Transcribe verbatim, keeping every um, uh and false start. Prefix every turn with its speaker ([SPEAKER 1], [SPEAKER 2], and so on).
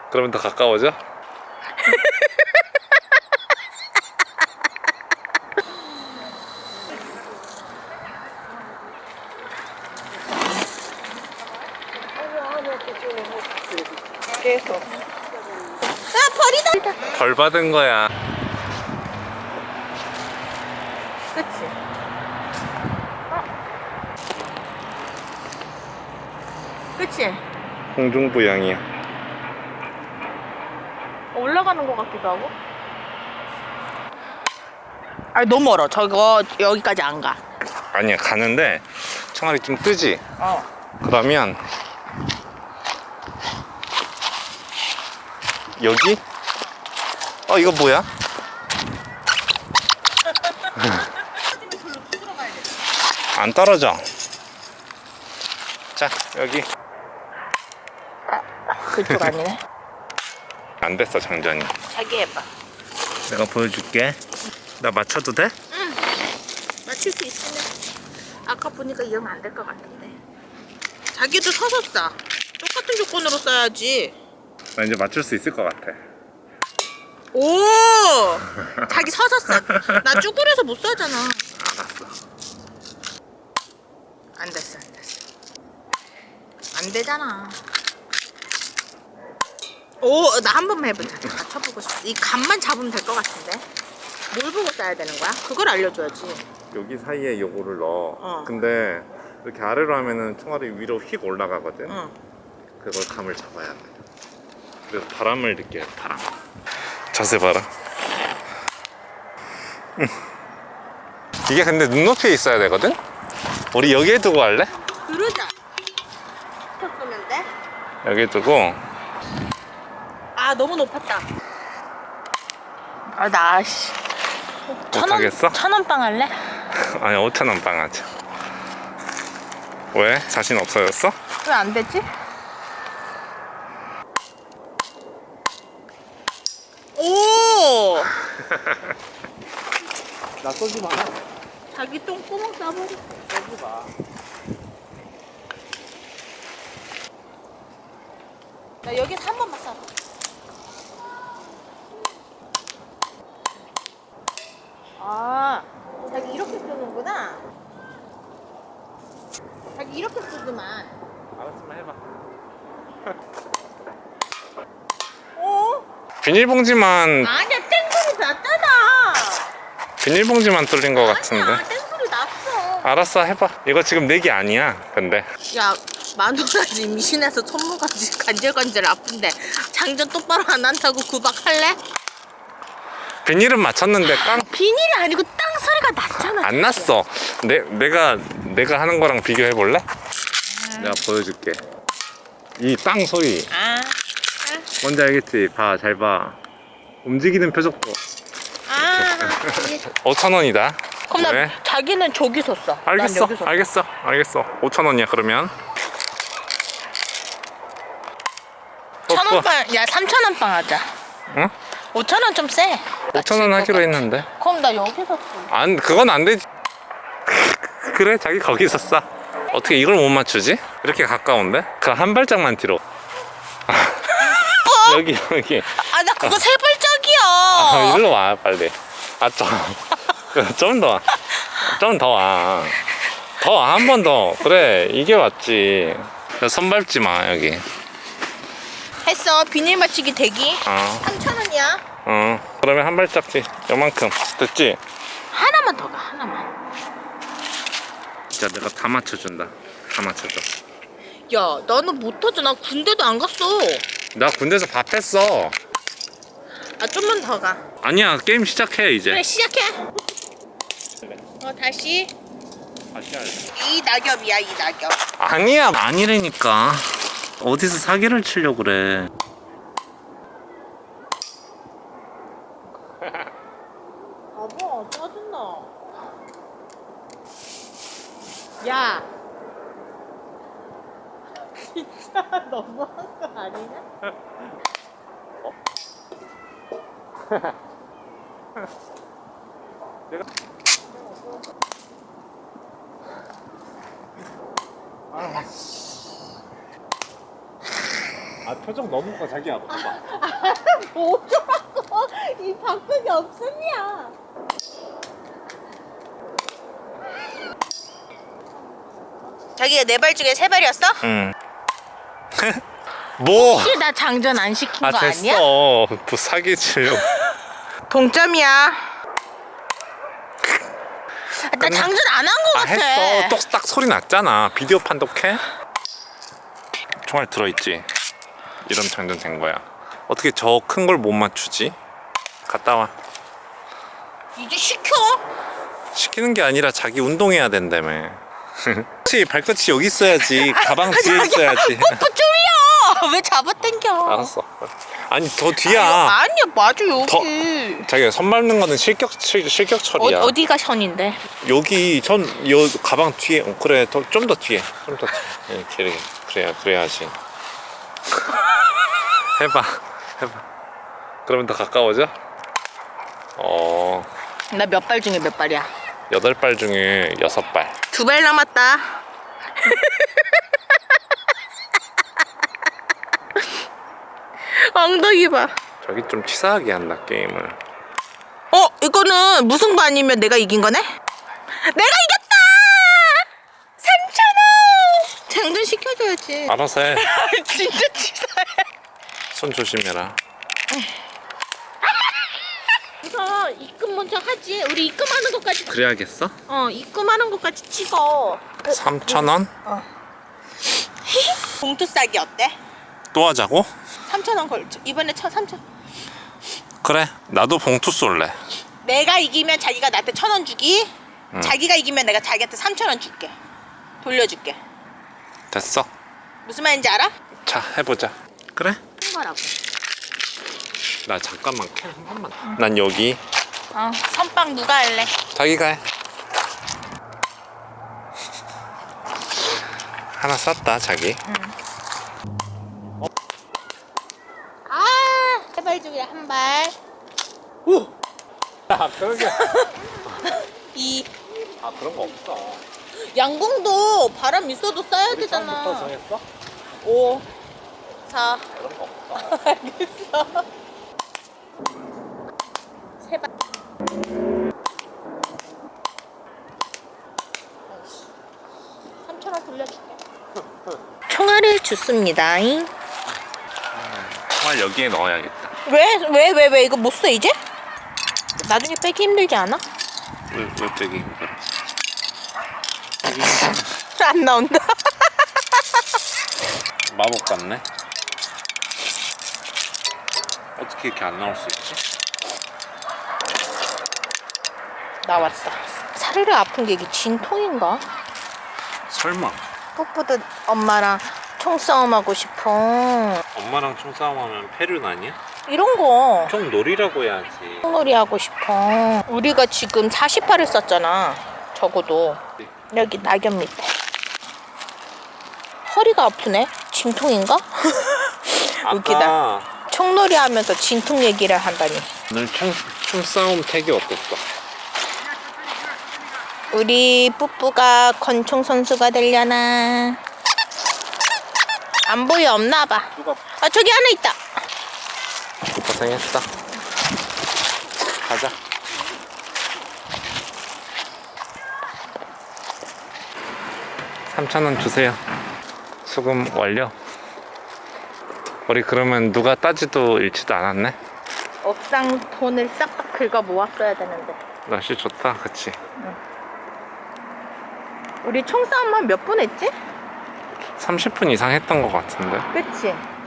[SPEAKER 1] 그러면 더 가까워져?
[SPEAKER 2] 계속. 아, 벌이다.
[SPEAKER 1] 벌 받은 거야.
[SPEAKER 2] 그치? 어? 그치?
[SPEAKER 1] 공중부양이야.
[SPEAKER 2] 올라가는 것 같기도 하고. 아, 너무 멀어. 저거 여기까지 안 가.
[SPEAKER 1] 아니야, 가는데 총알이 좀 뜨지?
[SPEAKER 2] 어.
[SPEAKER 1] 그러면 여기? 어, 이거 뭐야? 안 떨어져. 자, 여기.
[SPEAKER 2] 그쪽 아니네.
[SPEAKER 1] 안 됐어, 장전이.
[SPEAKER 2] 자기 해봐.
[SPEAKER 1] 내가 보여줄게. 나 맞춰도 돼?
[SPEAKER 2] 응. 맞출 수 있으면. 아까 보니까 이 형 안 될 것 같은데. 자기도 서서 싸. 똑같은 조건으로 써야지.
[SPEAKER 1] 나 이제 맞출 수 있을 것 같아.
[SPEAKER 2] 오! 자기 서서 싸. 나 쭈그려서 못 싸잖아.
[SPEAKER 1] 알았어.
[SPEAKER 2] 안 됐어, 안 됐어. 안 되잖아. 오, 나 한 번만 해보자. 맞춰보고 싶어. 이 감만 잡으면 될 것 같은데. 뭘 보고 싸야 되는 거야? 그걸 알려줘야지.
[SPEAKER 1] 여기 사이에 요거를 넣어.
[SPEAKER 2] 어.
[SPEAKER 1] 근데 이렇게 아래로 하면은 총알이 위로 휙 올라가거든.
[SPEAKER 2] 응.
[SPEAKER 1] 그걸 감을 잡아야 돼. 그래서 바람을 느껴요. 바람. 자세 봐라. 이게 근데 눈높이에 있어야 되거든? 우리 여기에 두고 할래?
[SPEAKER 2] 그러자. 쏘면 돼?
[SPEAKER 1] 여기에 두고.
[SPEAKER 2] 아, 너무 높았다. 아, 나 씨.
[SPEAKER 1] 못하겠어?
[SPEAKER 2] 천원 빵 할래?
[SPEAKER 1] 아니, 오천 원 빵 하자. 왜? 자신 없어졌어?
[SPEAKER 2] 왜 안 되지? 오!
[SPEAKER 1] 나 쏘지 마.
[SPEAKER 2] 자기 똥구멍 싸버려.
[SPEAKER 1] 쏘지 마.
[SPEAKER 2] 나 여기서 한 번만 싸. 아, 자기 이렇게 쓰는구나. 자기 이렇게 쓰더만.
[SPEAKER 1] 알았으면 해봐.
[SPEAKER 2] 어?
[SPEAKER 1] 비닐봉지만
[SPEAKER 2] 아니야, 땡소리 났잖아.
[SPEAKER 1] 비닐봉지만 뚫린 것 같은데.
[SPEAKER 2] 아니야, 땡소리 났어.
[SPEAKER 1] 알았어, 해봐. 이거 지금 내기 아니야. 근데
[SPEAKER 2] 야, 마누라지 임신해서 손모가 간질간질 아픈데 장전 똑바로 안 한다고 구박할래?
[SPEAKER 1] 비닐은 맞췄는데 깡.
[SPEAKER 2] 비닐이 아니고 땅 소리가 났잖아.
[SPEAKER 1] 안 났어. 내, 내가 내가 하는 거랑 비교해 볼래? 내가 보여줄게. 이 땅 소리
[SPEAKER 2] 아,
[SPEAKER 1] 뭔지 알겠지? 봐, 잘 봐. 움직이는 표적도.
[SPEAKER 2] 아.
[SPEAKER 1] 오천 원이다.
[SPEAKER 2] 그럼 나
[SPEAKER 1] 왜?
[SPEAKER 2] 자기는 저기서 써. 난
[SPEAKER 1] 알겠어,
[SPEAKER 2] 여기서 써.
[SPEAKER 1] 알겠어, 알겠어. 오천 원이야 그러면. 또,
[SPEAKER 2] 천
[SPEAKER 1] 또.
[SPEAKER 2] 원 빵, 야 삼천 원 빵 하자.
[SPEAKER 1] 응?
[SPEAKER 2] 오천 원 좀 세.
[SPEAKER 1] 오천 원 하기로 했는데.
[SPEAKER 2] 그럼 나 여기서 써.
[SPEAKER 1] 안, 그건 안 되지. 그래, 자기 거기서 싸. 어떻게 이걸 못 맞추지? 이렇게 가까운데? 그 한 발짝만 뒤로. 여기, 여기.
[SPEAKER 2] 아, 나 그거 세 발짝이야.
[SPEAKER 1] 아, 일로 와, 빨리. 아, 좀. 좀 더. 좀 더 와. 더, 한 번 더. 그래, 이게 맞지. 손 밟지 마, 여기.
[SPEAKER 2] 했어. 비닐 맞추기 대기.
[SPEAKER 1] 어,
[SPEAKER 2] 삼천 원이야.
[SPEAKER 1] 어. 그러면 한 발짝지. 요만큼. 됐지?
[SPEAKER 2] 하나만 더 가. 하나만.
[SPEAKER 1] 진짜 내가 다 맞춰준다. 다 맞춰줘.
[SPEAKER 2] 야, 나는 못하지. 나 군대도 안 갔어.
[SPEAKER 1] 나 군대에서 밥 했어.
[SPEAKER 2] 아, 좀만 더 가.
[SPEAKER 1] 아니야, 게임 시작해, 이제.
[SPEAKER 2] 그래, 시작해. 어, 다시.
[SPEAKER 1] 다시 할래.
[SPEAKER 2] 이 낙엽이야, 이 낙엽.
[SPEAKER 1] 아니야, 아니라니까. 어디서 사기를 치려고 그래.
[SPEAKER 2] 봐봐, 짜증나. 야. 진짜 너무한 거 아니냐?
[SPEAKER 1] 내가 아 표정 너무 커 자기야. 봐봐.
[SPEAKER 2] 뭐더라고? 이 바꾸기 없음이야. 자기가 네 발 중에 세 발이었어?
[SPEAKER 1] 응. 뭐?
[SPEAKER 2] 혹시 나 장전 안 시킨
[SPEAKER 1] 아
[SPEAKER 2] 거 아니야?
[SPEAKER 1] 됐어. 뭐 사기 치려고.
[SPEAKER 2] 동점이야. 나 장전 안 한 거
[SPEAKER 1] 아
[SPEAKER 2] 같아.
[SPEAKER 1] 했어. 똑딱 소리 났잖아. 비디오 판독해? 총알 들어있지. 이런 장전 된 거야. 어떻게 저 큰 걸 못 맞추지? 갔다 와.
[SPEAKER 2] 이제 시켜.
[SPEAKER 1] 시키는 게 아니라 자기 운동해야 된다며. 그렇지 발끝이 여기 있어야지. 가방 뒤에 있어야지.
[SPEAKER 2] 뽀뽀 쫄려. 왜 잡아당겨?
[SPEAKER 1] 알았어. 아니 더 뒤야.
[SPEAKER 2] 아니야 맞아 여기.
[SPEAKER 1] 더- 자기가 선 밟는 거는 실격 실, 실격 처리야.
[SPEAKER 2] 어, 어디가 선인데?
[SPEAKER 1] 여기 전 여 가방 뒤에. 어, 그래 좀 더 뒤에 좀 더 뒤에. 예, 그래 그래야 그래야지. 해봐 해봐. 그러면 더 가까워져? 어
[SPEAKER 2] 나 몇 발 중에 몇 발이야?
[SPEAKER 1] 여덟 발 중에 여섯 발.
[SPEAKER 2] 두 발 남았다. 엉덩이 봐.
[SPEAKER 1] 저기 좀 치사하게 한다 게임을.
[SPEAKER 2] 어 이거는 무승부 아니면 내가 이긴 거네? 내가 이겼다! 삼천 원! 장전 시켜줘야지.
[SPEAKER 1] 알아서 해.
[SPEAKER 2] 진짜 치사해.
[SPEAKER 1] 손 조심해라.
[SPEAKER 2] 우선 입금 먼저 하지. 우리 입금하는 것까지.
[SPEAKER 1] 그래야겠어?
[SPEAKER 2] 어 입금하는 것까지 찍어.
[SPEAKER 1] 삼천 원?
[SPEAKER 2] 봉투 싸기 어때?
[SPEAKER 1] 또 하자고?
[SPEAKER 2] 삼천 원 걸. 이번에 천 삼천.
[SPEAKER 1] 그래 나도 봉투 쏠래.
[SPEAKER 2] 내가 이기면 자기가 나한테 천 원 주기.
[SPEAKER 1] 응.
[SPEAKER 2] 자기가 이기면 내가 자기한테 삼천 원 줄게. 돌려줄게.
[SPEAKER 1] 됐어.
[SPEAKER 2] 무슨 말인지 알아?
[SPEAKER 1] 자 해보자. 그래?
[SPEAKER 2] 큰 거라고.
[SPEAKER 1] 나 잠깐만 캔 한 번만. 난 여기.
[SPEAKER 2] 어 선빵 누가 할래?
[SPEAKER 1] 자기가 해. 하나 쌌다 자기.
[SPEAKER 2] 아, 세 발 중에 한 발.
[SPEAKER 1] 오. 아 그러게.
[SPEAKER 2] 이
[SPEAKER 1] 아 그런 거 없어.
[SPEAKER 2] 양궁도 바람 있어도 쏴야
[SPEAKER 1] 우리
[SPEAKER 2] 되잖아.
[SPEAKER 1] 처음부터 정했어?
[SPEAKER 2] 오, 사.
[SPEAKER 1] 그런 거 없어.
[SPEAKER 2] 알겠어. 세 발. 삼천 원 돌려줄게. 총알을 줬습니다.
[SPEAKER 1] 정말 여기에 넣어야겠다.
[SPEAKER 2] 왜? 왜? 왜? 왜? 이거 못 써 이제? 나중에 빼기 힘들지 않아?
[SPEAKER 1] 왜, 왜 빼기 힘들어?
[SPEAKER 2] 안 나온다.
[SPEAKER 1] 마법 같네. 어떻게 이렇게 안 나올 수 있지?
[SPEAKER 2] 나왔다. 사르르 아픈 게 이게 진통인가?
[SPEAKER 1] 설마
[SPEAKER 2] 꽃보다 엄마랑 총싸움하고 싶어.
[SPEAKER 1] 엄마랑 총싸움하면 패륜 아니야?
[SPEAKER 2] 이런 거
[SPEAKER 1] 총놀이라고 해야지.
[SPEAKER 2] 놀이 하고 싶어. 우리가 지금 사십 발을 썼잖아. 적어도 여기 낙엽 밑에. 허리가 아프네. 진통인가? 웃기다.
[SPEAKER 1] 아까
[SPEAKER 2] 총놀이 하면서 진통 얘기를 한다니.
[SPEAKER 1] 오늘 총, 총싸움 택이 어땠어?
[SPEAKER 2] 우리 뿌뿌가 권총 선수가 되려나? 안 보여 없나 봐.
[SPEAKER 1] 누가
[SPEAKER 2] 아 저기 하나 있다.
[SPEAKER 1] 고생했어. 가자. 삼천 원 주세요. 수금 완료. 우리 그러면 누가 따지도 잃지도 않았네.
[SPEAKER 2] 업상 돈을 싹싹 긁어 모았어야 되는데.
[SPEAKER 1] 날씨 좋다, 그치?
[SPEAKER 2] 우리 총싸움만 몇 분 했지?
[SPEAKER 1] 삼십 분 이상 했던 것 같은데.
[SPEAKER 2] 그치?